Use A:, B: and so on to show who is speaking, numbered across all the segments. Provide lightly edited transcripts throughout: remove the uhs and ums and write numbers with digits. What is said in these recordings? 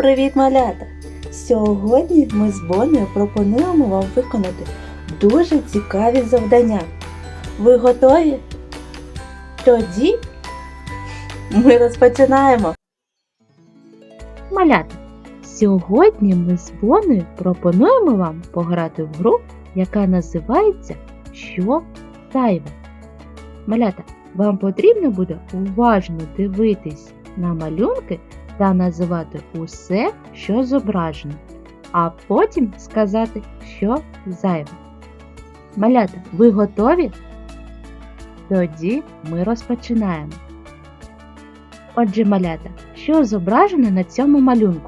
A: Привіт, малята! Сьогодні ми з Бонею пропонуємо вам виконати дуже цікаві завдання. Ви готові? Тоді ми розпочинаємо! Малята, сьогодні ми з Бонею пропонуємо вам пограти в гру, яка називається «Що зайве?». Малята, вам потрібно буде уважно дивитись на малюнки та називати усе, що зображено, а потім сказати, що зайве. Малята, ви готові? Тоді ми розпочинаємо. Отже, малята, що зображено на цьому малюнку?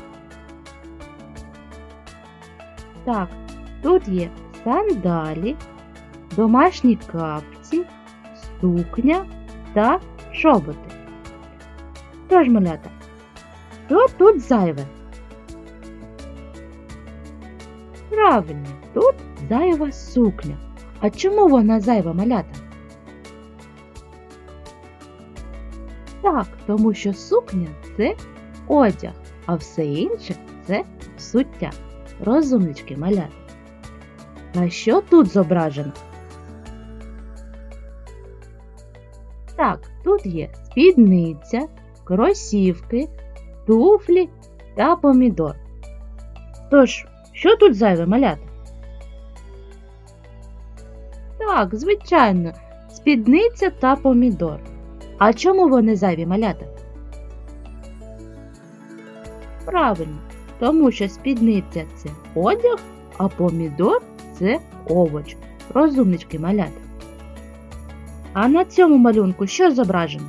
A: Так, тут є сандалі, домашні капці, сукня та чоботи. Тож, малята, що тут зайве? Правильно, тут зайва сукня. А чому вона зайва, малята? Так, тому що сукня – це одяг, а все інше – це взуття. Розумнички, малята. А що тут зображено? Так, тут є спідниця, кросівки, туфлі та помідор. Тож, що тут зайве, малята? Так, звичайно, спідниця та помідор. А чому вони зайві, малята? Правильно, тому що спідниця – це одяг, а помідор – це овоч. Розумнички, малята. А на цьому малюнку що зображено?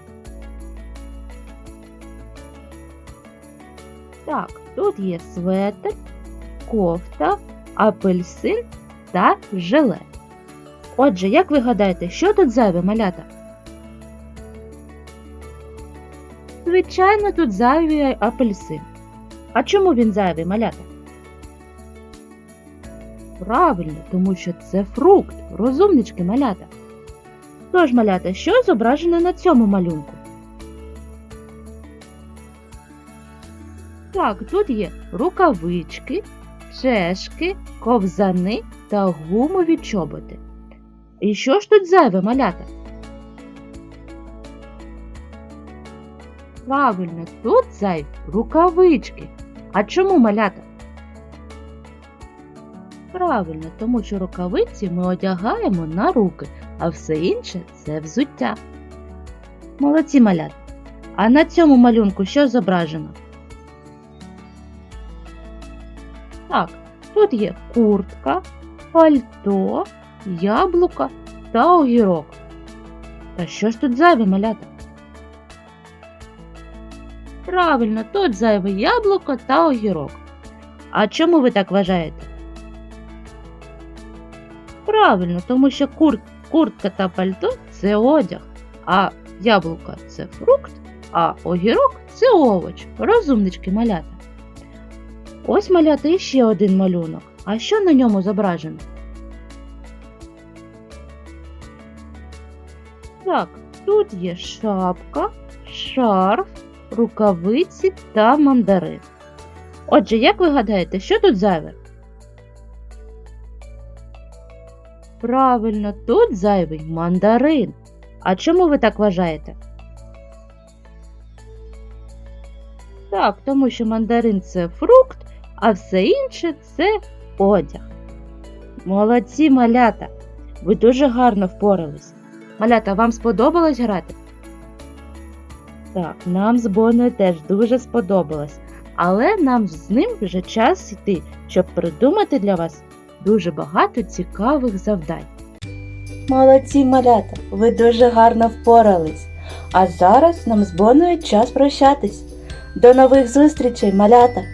A: Так, тут є светр, кофта, апельсин та жилет. Отже, як ви гадаєте, що тут зайве, малята? Звичайно, тут зайвий апельсин. А чому він зайвий, малята? Правильно, тому що це фрукт. Розумнички, малята. Тож, малята, що зображено на цьому малюнку? Так, тут є рукавички, чешки, ковзани та гумові чоботи. І що ж тут зайве, малята? Правильно, тут зайві рукавички. А чому, малята? Правильно, тому що рукавиці ми одягаємо на руки, а все інше – це взуття. Молодці, малята. А на цьому малюнку що зображено? Так, тут є куртка, пальто, яблука та огірок. Та що ж тут зайве, малята? Правильно, тут зайве яблуко та огірок. А чому ви так вважаєте? Правильно, тому що куртка та пальто – це одяг, а яблуко – це фрукт, а огірок – це овоч. Розумнички, малята. Ось, малята, іще один малюнок. А що на ньому зображено? Так, тут є шапка, шарф, рукавиці та мандарин. Отже, як ви гадаєте, що тут зайве? Правильно, тут зайвий мандарин. А чому ви так вважаєте? Так, тому що мандарин – це фрукт, а все інше – це одяг. Молодці, малята! Ви дуже гарно впорались. Малята, вам сподобалось грати? Так, нам з Бонею теж дуже сподобалось. Але нам з ним вже час йти, щоб придумати для вас дуже багато цікавих завдань. Молодці, малята! Ви дуже гарно впорались. А зараз нам з Бонею час прощатись. До нових зустрічей, малята!